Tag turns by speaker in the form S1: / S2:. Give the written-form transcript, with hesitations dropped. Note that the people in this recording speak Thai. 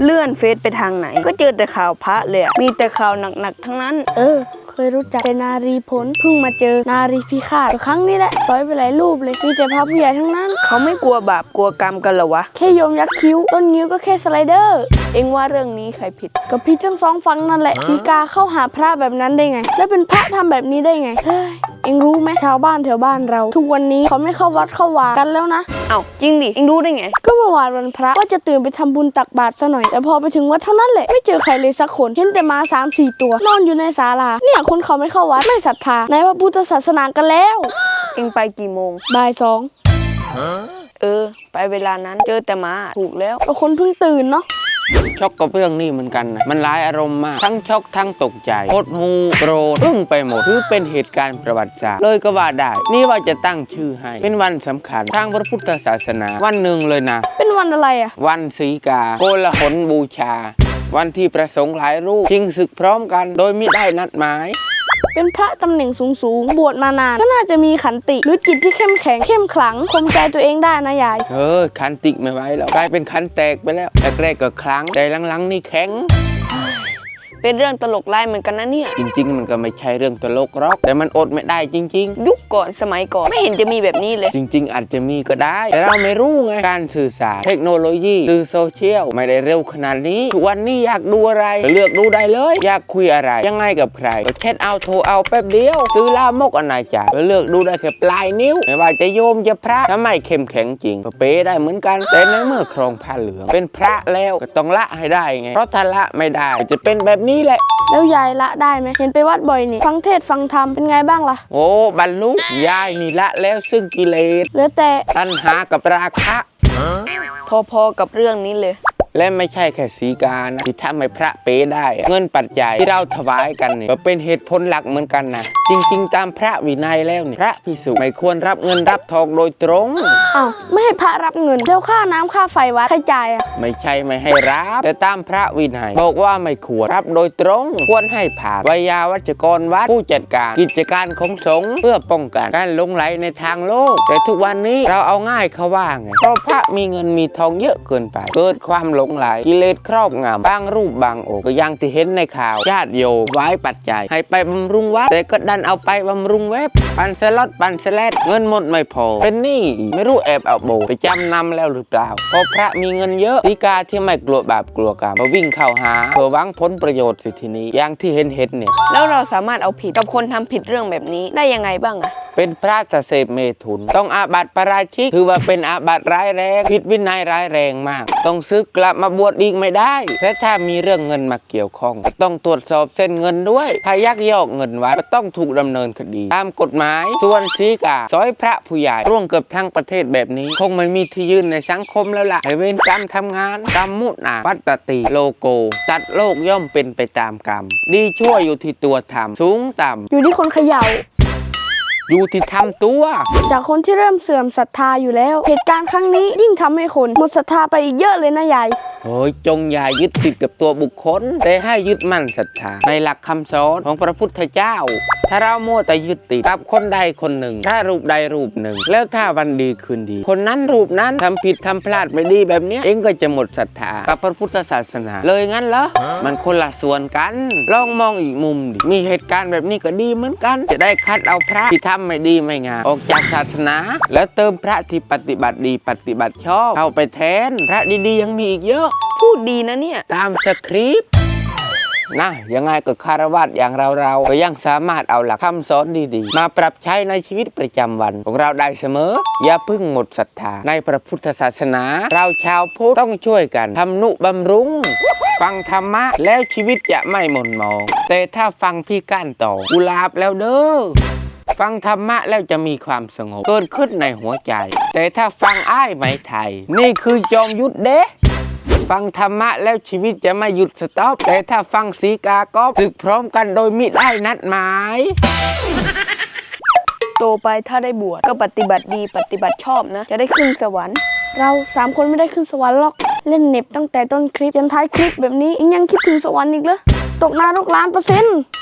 S1: เลื่อนเฟซไปทางไหนก็เจอแต่ข่าวพระเลยมีแต่ข่าวหนักๆทั้งนั้น
S2: เคยรู้จักแต่นารีผลเพิ่งมาเจอนารีพิฆาตครั้งนี้แหละซอยไปหลายรูปเลยมีแต่พระผู้ใหญ่ทั้งนั้น
S1: เขาไม่กลัวบาปกลัวกรรมกันเหรอวะ
S2: แค่โยมยักษ์คิ้วต้นนิ้วก็แค่สไลเดอร์
S1: เอ็งว่าเรื่องนี้ใครผิด
S2: ก็ผิดทั้งสองฝั่งนั่นแหละสีกาเข้าหาพระแบบนั้นได้ไงแล้วเป็นพระทำแบบนี้ได้ไงเอ็งรู้ไหมชาวบ้านแถวบ้านเราทุกวันนี้เขาไม่เข้าวัดเข้าวากันแล้วนะ
S1: เอ้าจริงดิเอ็งรู้ได้ไง
S2: ก็เมื่อวานวันพระว่าจะตื่นไปทำบุญตักบาตรซะหน่อยแต่พอไปถึงวัดเท่านั้นแหละไม่เจอใครเลยสักคนเห็นแต่ม้า3-4 ตัวนอนอยู่ในศาลาเนี่ยคนเขาไม่เข้าวัดไม่ศรัทธาในพระพุทธศาสนากันแล้ว
S1: เอ็งไปกี่โมง
S2: บ่าย 2
S1: ไปเวลานั้นเจอแต่ม้าถูกแล้ว
S2: ก็คนเพิ่งตื่นเนาะ
S3: ช็อกกับเรื่องนี้เหมือนกันนะมันหลายอารมณ์มากทั้งช็อกทั้งตกใจโคตรหูโกรธอึ้งไปหมดคือเป็นเหตุการณ์ประวัติศาสตร์เลยก็ว่าได้นี่ว่าจะตั้งชื่อให้เป็นวันสำคัญทางพระพุทธศาสนาวันหนึ่งเลยนะ
S2: เป็นวันอะไร
S3: วันสีกาโกลาหลบูชาวันที่ประสงค์หลายรูปชิงศึกพร้อมกันโดยไม่ได้นัดหมาย
S2: เป็นพระตำแหน่งสูงบวชมานานก็น่าจะมีขันติหรือจิตที่เข้มแข็งเข้มขลังข่มใจตัวเองได้นะยาย
S3: ขันติไม่ไหวแล้วกลายเป็นขันแตกไปแล้วแรกๆก็ครั้งแต่หลังๆนี่แข็ง
S1: เป็นเรื่องตลกไล่เหมือนกันนะเนี่ย
S3: จริงๆมันก็ไม่ใช่เรื่องตลกหรอกแต่มันอดไม่ได้จริง
S1: ๆยุคก่อนสมัยก่อนไม่เห็นจะมีแบบนี้เลย
S3: จริงๆอาจจะมีก็ได้แต่เราไม่รู้ไงการสื่อสารเทคโนโลยีสื่อโซเชียลไม่ได้เร็วขนาดนี้ทุกวันนี้อยากดูอะไรเลือกดูได้เลยอยากคุยอะไรยังไงกับใครก็แชทเอาโทรเอาแป๊บเดียวซื้อลามกอนาจารเลือกดูได้แค่ปลายนิ้วไม่ว่าจะโยมจะพระถ้าไม่เข้มแข็งจริงก็เป๊ได้เหมือนกันแต่ในเมื่อครองผ้าเหลืองเป็นพระแล้วก็ต้องละให้ได้ไงเพราะถ้าละไม่ได้จะเป็นแบบนี้แหละ
S2: แล้วยายละได้ไหมเห็นไปวัดบ่อยนี่ฟังเทศฟังธรรมเป็นไงบ้างล่ะ
S3: โอ้บรรลุยายนี่ละแล้วซึ่งกิเลส
S2: เหลือแต่
S3: ตัณหากับราคะ
S1: พอๆกับเรื่องนี้เลย
S3: และไม่ใช่แค่สีกานะที่ทำให้พระเป๋ได้เงินปัจจัยที่เราถวายกันนี่ก็เป็นเหตุผลหลักเหมือนกันนะจริงๆตามพระวินัยแล้วนี่พระภิกษุไม่ควรรับเงินรับทองโดยตรง
S2: ไม่ให้พระรับเงินแล้วค่าน้ำค่าไฟวัดใครจ่าย
S3: ไม่ใช่ไม่ให้รับแต่ตามพระวินัยบอกว่าไม่ควรรับโดยตรงควรให้ผ่านวิยาวัจกรวัดผู้จัดการกิจการของสงฆ์เพื่อป้องกันการหลงไหลในทางโลกแต่ทุกวันนี้เราเอาง่ายเขาว่าไงเพราะพระมีเงินมีทองเยอะเกินไปเกิดความหลงไหลกิเลสครอบงำบางรูปบางองค์ก็ยังที่เห็นในข่าวญาติโยมไว้ปัจจัยให้ไปบำรุงวัดแต่ก็ดันเอาไปบำรุงเว็บปันสล็อตปันสแลดเงินหมดไม่พอเป็นหนี้ไม่รู้แอบเอาโบไปจำนำแล้วหรือเปล่าเพราะพระมีเงินเยอะสีกาที่ไม่กลัวบาปกลัวกรรมมาวิ่งเข้าหาเพื่อหวังผลประโยชน์สิทีนี้อย่างที่เห็นเนี่ย
S1: แล้วเราสามารถเอาผิดกับคนทำผิดเรื่องแบบนี้ได้ยังไงบ้าง
S3: เป็นพระเสพเมถุนต้องอาบัติปาราชิกถือว่าเป็นอาบัติร้ายแรงผิดวินัยร้ายแรงมากต้องซึกกลับมาบวชอีกไม่ได้และถ้ามีเรื่องเงินมาเกี่ยวข้องต้องตรวจสอบเส้นเงินด้วยถ้ายักยอกเงินวัดก็ต้องถูกดำเนินคดีตามกฎหมายส่วนสีกาซอยพระผู้ใหญ่ร่วงเกือบทั้งประเทศแบบนี้คงไม่มีที่ยืนในสังคมแล้วล่ะให้เวรกรรมทำงานกรรมมุนาวัตติโลโกจัดโลกย่อมเป็นไปตามกรรมดีชั่วอยู่ที่ตัวทำสูงต่ำ
S2: อยู่ที่คนเขย่า
S3: อยู่ที่ทำตัว
S2: จากคนที่เริ่มเสื่อมศรัทธาอยู่แล้วเหตุการณ์ครั้งนี้ยิ่งทำให้คนหมดศรัทธาไปอีกเยอะเลยนะยาย
S3: จงอย่ายึดติดกับตัวบุคคลแต่ให้ยึดมั่นศรัทธาในหลักคำสอนของพระพุทธเจ้าถ้าเราโม่แต่ยึดติดกับคนใดคนหนึ่งถ้ารูปใดรูปหนึ่งแล้วถ้าวันดีคืนดีคนนั้นรูปนั้นทำผิดทำพลาดไม่ดีแบบนี้เองก็จะหมดศรัทธากับพระพุทธศาสนาเลยงั้นเหรอมันคนละส่วนกันลองมองอีกมุมดิมีเหตุการณ์แบบนี้ก็ดีเหมือนกันจะได้คัดเอาพระที่ทำไม่ดีไม่งามออกจากศาสนาแล้วเติมพระที่ปฏิบัติดีปฏิบัติชอบเข้าไปแทนพระดีๆยังมีอีกเยอะ
S1: พูดดีนะเนี่ย
S3: ตามสคริปต์นะยังไงก็คารวะอย่างเราก็ยังสามารถเอาหลักคำสอนดีๆมาปรับใช้ในชีวิตประจำวันของเราได้เสมออย่าพึ่งหมดศรัทธาในพระพุทธศาสนาเราชาวพุทธต้องช่วยกันทำนุบำรุงฟังธรรมะแล้วชีวิตจะไม่หม่นหมองแต่ถ้าฟังพี่ก้านต่อกุหลาบแล้วเด้อฟังธรรมะแล้วจะมีความสงบเกิดขึ้นในหัวใจแต่ถ้าฟังอ้ายไหมไทยนี่คือจอมยุทธเด้ฟังธรรมะแล้วชีวิตจะไม่หยุดสต็อปแต่ถ้าฟังสีกาก็ศึกพร้อมกันโดยมิได้นัดหมาย
S1: โตไปถ้าได้บวชก็ปฏิบัติดีปฏิบัติชอบนะจะได้ขึ้นสวรรค์
S2: เรา3 คนไม่ได้ขึ้นสวรรค์หรอกเล่นเน็บตั้งแต่ต้นคลิปจนท้ายคลิปแบบนี้ยังคิดถึงสวรรค์อีกเหรอตกนรก1,000,000%